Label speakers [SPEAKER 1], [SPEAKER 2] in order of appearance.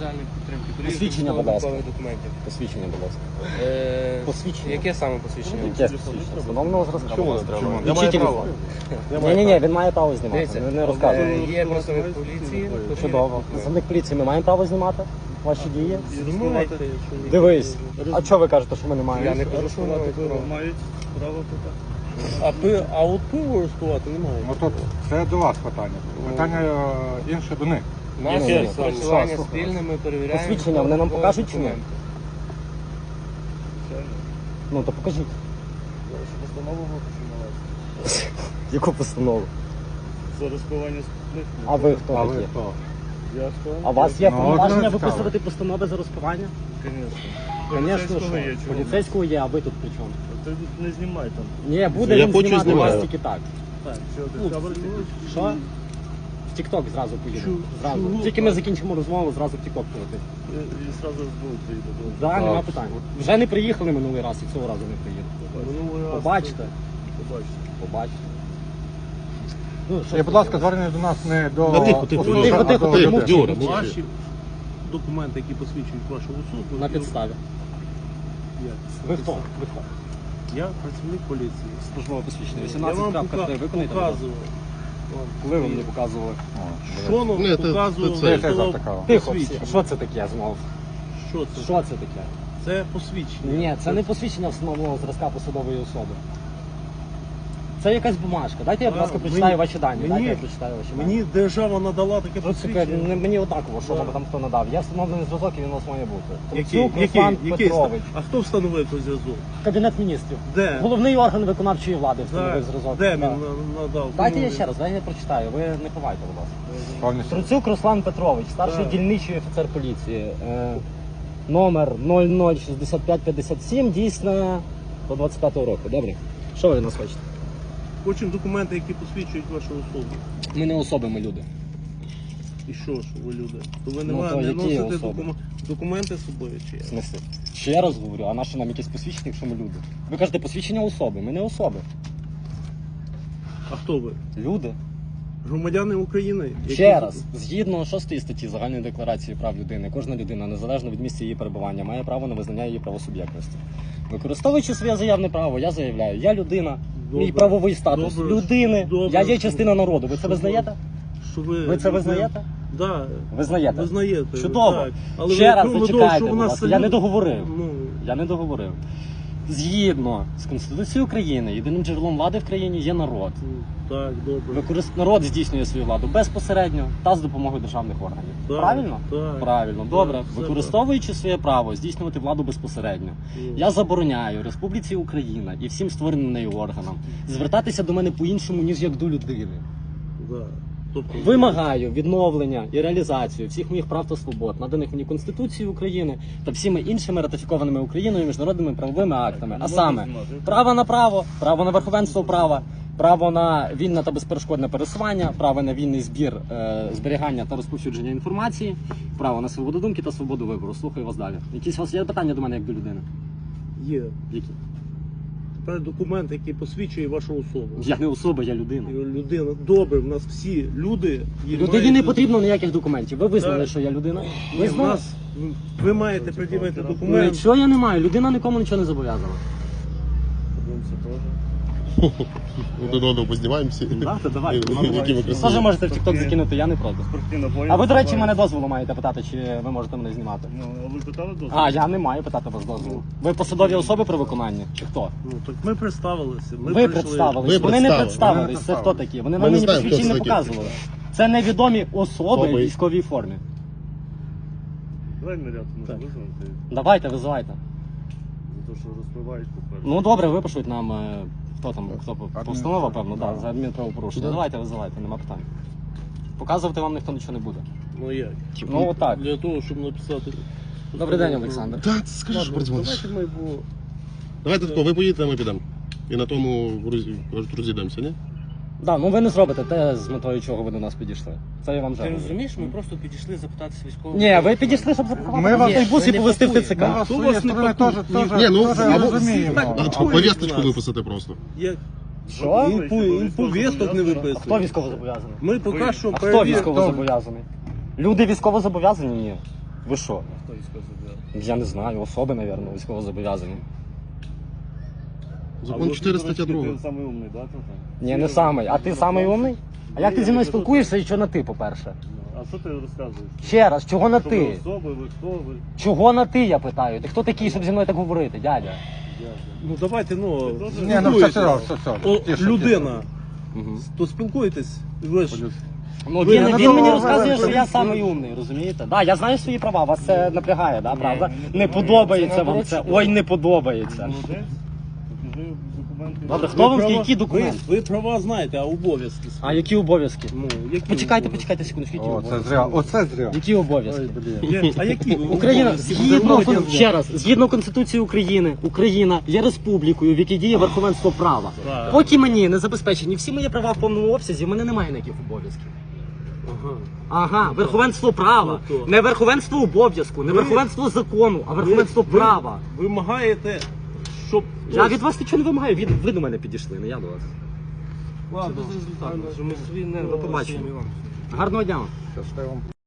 [SPEAKER 1] соціальної підтримки.
[SPEAKER 2] Посвідчення, будь ласка.
[SPEAKER 1] Документів.
[SPEAKER 2] Посвідчення, будь ласка. Посвідчення.
[SPEAKER 1] Яке саме посвідчення?
[SPEAKER 2] Яке посвідчення? Встановленого зразка.
[SPEAKER 3] Чому не треба?
[SPEAKER 2] Я маю право. Ні, він має право знімати.
[SPEAKER 1] Дивіться,
[SPEAKER 2] Не розказує.
[SPEAKER 1] є представник поліції.
[SPEAKER 2] Чудово. Представник поліції, ми маємо право знімати ваші дії?
[SPEAKER 1] Знімайте.
[SPEAKER 2] Дивись. А що ви кажете, що ми не маємо?
[SPEAKER 1] Я не кажу, що вони
[SPEAKER 3] Мають право питати. А от пиво арестувати немає.
[SPEAKER 4] Ну тут це до вас питання. Питання інше до них.
[SPEAKER 1] Нас
[SPEAKER 2] Яке?
[SPEAKER 1] працювання
[SPEAKER 2] Що?
[SPEAKER 1] спільними перевіряємо.
[SPEAKER 2] Посвідчення вони нам покажуть чи ні?
[SPEAKER 1] документи.
[SPEAKER 2] Ну то покажіть.
[SPEAKER 3] Постанову випущено.
[SPEAKER 2] Яку постанову?
[SPEAKER 3] За розпивання спиртних.
[SPEAKER 2] А ви хто
[SPEAKER 4] А ви
[SPEAKER 2] такі?
[SPEAKER 4] хто?
[SPEAKER 3] Я хто?
[SPEAKER 2] А у вас є
[SPEAKER 4] Ну,
[SPEAKER 2] повноваження
[SPEAKER 4] от
[SPEAKER 2] виписувати постанови за розпивання?
[SPEAKER 3] Звісно.
[SPEAKER 2] Звісно, що. Поліцейського є, а ви тут при чому?
[SPEAKER 3] Ти не знімай там.
[SPEAKER 2] Ні, буде
[SPEAKER 5] Я
[SPEAKER 2] він
[SPEAKER 5] хочу
[SPEAKER 2] знімати вас
[SPEAKER 5] знімати.
[SPEAKER 2] тільки так.
[SPEAKER 3] Так, що ти камеру знімаєш?
[SPEAKER 2] Що? В Тік-Ток зразу поїду.
[SPEAKER 3] Чу-
[SPEAKER 2] Зразу.
[SPEAKER 3] чу-
[SPEAKER 2] Тільки ми закінчимо розмову, зразу в Тік-Ток полетить.
[SPEAKER 3] І зразу збув приїде.
[SPEAKER 2] Так, нема питань. Вже не приїхали минулий раз і цього разу не приїду. Побачите.
[SPEAKER 3] Побачите.
[SPEAKER 2] Побачите. Ну, що
[SPEAKER 4] І, будь ласка, звернення до нас не до
[SPEAKER 5] Тихо, тихо,
[SPEAKER 4] особи,
[SPEAKER 2] тихо,
[SPEAKER 4] а
[SPEAKER 2] тихо,
[SPEAKER 4] до
[SPEAKER 2] тихо.
[SPEAKER 4] людей.
[SPEAKER 5] Юра,
[SPEAKER 3] Ваші документи, які посвідчують вашу особу.
[SPEAKER 2] На підставі.
[SPEAKER 3] Як?
[SPEAKER 2] Ви хто? Ви хто?
[SPEAKER 3] Я працівник поліції.
[SPEAKER 2] Службове посвідчення.
[SPEAKER 3] Я вам
[SPEAKER 2] 18.3 виконайте.
[SPEAKER 3] показував.
[SPEAKER 2] Коли ви мені показували?
[SPEAKER 3] Що нам
[SPEAKER 5] Ні, це-
[SPEAKER 3] показував?
[SPEAKER 5] це-
[SPEAKER 4] це завтикало.
[SPEAKER 2] Тихо,
[SPEAKER 3] посвідчення.
[SPEAKER 2] що це таке знову?
[SPEAKER 3] Що це?
[SPEAKER 2] Що це таке?
[SPEAKER 3] Це посвідчення.
[SPEAKER 2] Ні, це не посвідчення встановленого зразка посадової особи. Це якась бумажка. Дайте я, будь ласка,
[SPEAKER 3] Мені-
[SPEAKER 2] прочитаю ваші дані.
[SPEAKER 3] мені-
[SPEAKER 2] Дайте я прочитаю ваші дані.
[SPEAKER 3] Мені держава надала таке
[SPEAKER 2] Ну, це
[SPEAKER 3] посвідчення.
[SPEAKER 2] мені однаково, що
[SPEAKER 3] Да.
[SPEAKER 2] вам там хто надав. Я встановлений зв'язок і він у вас має бути.
[SPEAKER 3] Який?
[SPEAKER 2] Трубцюк Руслан Петрович.
[SPEAKER 3] А хто встановив той зв'язок?
[SPEAKER 2] Кабінет міністрів.
[SPEAKER 3] Де?
[SPEAKER 2] Головний орган виконавчої влади встановив зразок.
[SPEAKER 3] Де
[SPEAKER 2] Да.
[SPEAKER 3] він надав?
[SPEAKER 2] Дайте я
[SPEAKER 3] Кому
[SPEAKER 2] ще раз, дайте я прочитаю. Ви не ховайте, будь ласка.
[SPEAKER 4] Повністю.
[SPEAKER 2] Труцюк Руслан Петрович, старший
[SPEAKER 3] Так.
[SPEAKER 2] дільничий офіцер поліції. Номер 006557, дійсно до 25-го року. Добре? Що ви від нас хочете?
[SPEAKER 3] Хочемо документи, які посвідчують вашу особу.
[SPEAKER 2] Ми не особи, ми люди.
[SPEAKER 3] І що ж ви люди? То ви
[SPEAKER 2] Ну, то
[SPEAKER 3] не
[SPEAKER 2] які
[SPEAKER 3] носите
[SPEAKER 2] особи?
[SPEAKER 3] документи з собою чи
[SPEAKER 2] В
[SPEAKER 3] як?
[SPEAKER 2] смислі? Ще раз говорю, а наше нам якесь посвідчення, якщо ми люди? Ви кажете посвідчення особи, ми не особи.
[SPEAKER 3] А хто ви?
[SPEAKER 2] Люди.
[SPEAKER 3] Громадяни України?
[SPEAKER 2] Ще раз, згідно 6 статті Загальної декларації прав людини, кожна людина, незалежно від місця її перебування, має право на визнання її правосуб'єктності. Використовуючи своє заявне право, я заявляю, я людина,
[SPEAKER 3] Добре.
[SPEAKER 2] мій правовий статус
[SPEAKER 3] Добре.
[SPEAKER 2] людини,
[SPEAKER 3] Добре.
[SPEAKER 2] я є частина народу. Ви це
[SPEAKER 3] Що
[SPEAKER 2] визнаєте?
[SPEAKER 3] Що
[SPEAKER 2] Ви це визнаєте?
[SPEAKER 3] Да.
[SPEAKER 2] Визнаєте?
[SPEAKER 3] Визнаєте.
[SPEAKER 2] Чудово.
[SPEAKER 3] Так. Але
[SPEAKER 2] Ще
[SPEAKER 3] ви
[SPEAKER 2] раз
[SPEAKER 3] крім того,
[SPEAKER 2] зачекайте,
[SPEAKER 3] що
[SPEAKER 2] будь
[SPEAKER 3] вона
[SPEAKER 2] ласка, я не
[SPEAKER 3] салют-
[SPEAKER 2] договорив.
[SPEAKER 3] Ну,
[SPEAKER 2] Я не договорив. Згідно з Конституцією України, єдиним джерелом влади в країні є народ.
[SPEAKER 3] так, добре.
[SPEAKER 2] Народ здійснює свою владу безпосередньо та з допомогою державних органів.
[SPEAKER 3] Так,
[SPEAKER 2] Правильно?
[SPEAKER 3] так.
[SPEAKER 2] Правильно. Добре.
[SPEAKER 3] Так, все
[SPEAKER 2] Використовуючи своє право здійснювати владу безпосередньо,
[SPEAKER 3] Ну.
[SPEAKER 2] я забороняю Республіці Україна і всім створеним нею органам звертатися до мене по-іншому, ніж як до людини.
[SPEAKER 3] Да. Тобто,
[SPEAKER 2] Вимагаю відновлення і реалізацію всіх моїх прав та свобод, наданих мені Конституцією України та всіми іншими ратифікованими Україною міжнародними правовими актами. А саме право на право, право на верховенство права, право на вільне та безперешкодне пересування, право на вільний збір, зберігання та розповсюдження інформації, право на свободу думки та свободу вибору. Слухаю вас далі. Якісь у вас є питання до мене як до людини?
[SPEAKER 3] є.
[SPEAKER 2] Які?
[SPEAKER 3] Тепер документ, який посвідчує вашу особу.
[SPEAKER 2] Я не особа, я людина.
[SPEAKER 3] Людина. Добре, в нас всі люди. є-
[SPEAKER 2] Людині не
[SPEAKER 3] мають-
[SPEAKER 2] потрібно ніяких документів. Ви визнали,
[SPEAKER 3] Так.
[SPEAKER 2] що я людина?
[SPEAKER 3] Ні,
[SPEAKER 2] Ви
[SPEAKER 3] в
[SPEAKER 2] знали?
[SPEAKER 3] нас, ви маєте пред'явити
[SPEAKER 2] Ну,
[SPEAKER 3] документ.
[SPEAKER 2] Нічого я не маю. Людина нікому нічого не зобов'язана.
[SPEAKER 5] Один одного познімаємося.
[SPEAKER 2] Давайте, давайте.
[SPEAKER 5] Які ви
[SPEAKER 2] Теж
[SPEAKER 5] красиві.
[SPEAKER 2] можете в TikTok закинути, я не проти. А ви, до речі, мене дозволу маєте питати, чи ви можете мене знімати?
[SPEAKER 3] Ну, а ви питали дозвіл?
[SPEAKER 2] А, я не маю питати вас дозволу. Ви посадові особи при виконанні? Чи хто?
[SPEAKER 3] Ну, так ми представилися. Ми
[SPEAKER 2] Ви
[SPEAKER 3] прийшли.
[SPEAKER 2] представились.
[SPEAKER 5] Ви
[SPEAKER 2] Вони не
[SPEAKER 5] представили.
[SPEAKER 2] представились. Це хто такі? Вони
[SPEAKER 5] Ми
[SPEAKER 2] нам
[SPEAKER 5] не
[SPEAKER 2] мені
[SPEAKER 5] знаємо, хто
[SPEAKER 2] посвідчення
[SPEAKER 5] це
[SPEAKER 2] не
[SPEAKER 5] такі.
[SPEAKER 2] показували. Це невідомі особи в
[SPEAKER 5] Особи.
[SPEAKER 2] військовій формі.
[SPEAKER 3] Давай наряд може
[SPEAKER 2] Так.
[SPEAKER 3] визвати,
[SPEAKER 2] Давайте, визивайте.
[SPEAKER 3] за те, що розпливають по-перше.
[SPEAKER 2] Ну добре, випишуть нам, хто там, хто постанова, певно, да, за адмінправопорушення.
[SPEAKER 5] Да.
[SPEAKER 2] Давайте, визивайте, нема питань. Показувати вам ніхто нічого не буде.
[SPEAKER 3] Ну як?
[SPEAKER 2] Ну отак.
[SPEAKER 3] Для того, щоб написати...
[SPEAKER 2] Добрий день, Олександр.
[SPEAKER 5] Так, скажи, що
[SPEAKER 3] Ладно,
[SPEAKER 5] передзвониш.
[SPEAKER 3] давайте ми було...
[SPEAKER 5] Давайте тако, ви поїдете, а ми підемо. І на тому розійдемося, ні?
[SPEAKER 2] Да, ну ви не зробите те, з метою чого ви до нас підійшли. Це я вам
[SPEAKER 1] Ти
[SPEAKER 2] вже говорю.
[SPEAKER 1] розумієш, ми просто підійшли запитатися військового.
[SPEAKER 2] Ні, ви підійшли, щоб запакувати
[SPEAKER 4] Ми вас-
[SPEAKER 2] автобус і
[SPEAKER 1] ми не
[SPEAKER 2] повезти в
[SPEAKER 1] пакуємо.
[SPEAKER 2] ТЦК.
[SPEAKER 4] Ми вас
[SPEAKER 3] Хто
[SPEAKER 4] своєї
[SPEAKER 3] вас не
[SPEAKER 4] сторони
[SPEAKER 3] пакує?
[SPEAKER 4] теж
[SPEAKER 5] Ні, ну, або-
[SPEAKER 4] розуміємо.
[SPEAKER 3] так,
[SPEAKER 5] А
[SPEAKER 3] Ой,
[SPEAKER 5] повісточку
[SPEAKER 3] нас.
[SPEAKER 5] виписати просто.
[SPEAKER 3] Як?
[SPEAKER 2] Що?
[SPEAKER 3] Він повісток не
[SPEAKER 2] А
[SPEAKER 3] виписує.
[SPEAKER 2] хто військово зобов'язаний?
[SPEAKER 3] Ми поки що
[SPEAKER 2] А хто
[SPEAKER 3] перевіримо.
[SPEAKER 2] військово зобов'язаний? Люди військово зобов'язані? Ні. Ви що?
[SPEAKER 3] Хто військовозобов'язаний?
[SPEAKER 2] Я не знаю, особи, мабуть, військовозобов'язані.
[SPEAKER 5] Закон 4 стаття 2.
[SPEAKER 3] Ти самий умний, да, тут?
[SPEAKER 2] Ні, не самий. А ти самий умний? А як ти зі мною спілкуєшся і що на ти, по-перше?
[SPEAKER 3] А що ти розказуєш?
[SPEAKER 2] Ще раз, чого на
[SPEAKER 3] Що ви
[SPEAKER 2] ти?
[SPEAKER 3] особи, ви хто, ви?
[SPEAKER 2] Чого на ти, я питаю? Ти хто такий, щоб зі мною так говорити, дядя?
[SPEAKER 3] Ну давайте, ну,
[SPEAKER 4] Ні, ну все,
[SPEAKER 3] О,
[SPEAKER 4] тише,
[SPEAKER 3] людина,
[SPEAKER 2] Угу.
[SPEAKER 3] то спілкуєтесь, ви ж
[SPEAKER 2] Ну,
[SPEAKER 3] Ви
[SPEAKER 2] він
[SPEAKER 3] на
[SPEAKER 2] мені
[SPEAKER 3] тому
[SPEAKER 2] розказує, що я
[SPEAKER 3] ви-
[SPEAKER 2] самий умний, розумієте? Да, я знаю свої права, вас це напрягає, да, правда? Не подобається вам це. Ой, не подобається.
[SPEAKER 3] молодець, покажи документи.
[SPEAKER 2] Добре, хто вам
[SPEAKER 3] права-
[SPEAKER 2] які документи?
[SPEAKER 3] Ви права знаєте, а обов'язки свої?
[SPEAKER 2] А які обов'язки?
[SPEAKER 3] Ну, які
[SPEAKER 2] Почекайте,
[SPEAKER 3] обов'язки?
[SPEAKER 2] почекайте секундочку, які
[SPEAKER 4] О, це
[SPEAKER 2] обов'язки?
[SPEAKER 4] зря, оце зря.
[SPEAKER 2] Які обов'язки?
[SPEAKER 3] А які ви
[SPEAKER 2] Україна,
[SPEAKER 3] обов'язки?
[SPEAKER 2] згідно,
[SPEAKER 3] Громадян?
[SPEAKER 2] ще раз, згідно Конституції України, Україна є республікою, в якій діє верховенство права.
[SPEAKER 3] Так.
[SPEAKER 2] Поки мені не забезпечені всі мої права в повному обсязі, в мене немає ніяких обов'язків.
[SPEAKER 3] Ага.
[SPEAKER 2] Ага, верховенство права.
[SPEAKER 3] Ну, то.
[SPEAKER 2] Не верховенство обов'язку, не
[SPEAKER 3] Ви-
[SPEAKER 2] верховенство закону, а верховенство
[SPEAKER 3] Ви
[SPEAKER 2] права.
[SPEAKER 3] вимагаєте, щоб...
[SPEAKER 2] Я від вас нічого не вимагаю, ви до мене підійшли, не я до вас.
[SPEAKER 3] Ладно,
[SPEAKER 2] До побачення. Гарного дня вам.
[SPEAKER 4] Щасливо.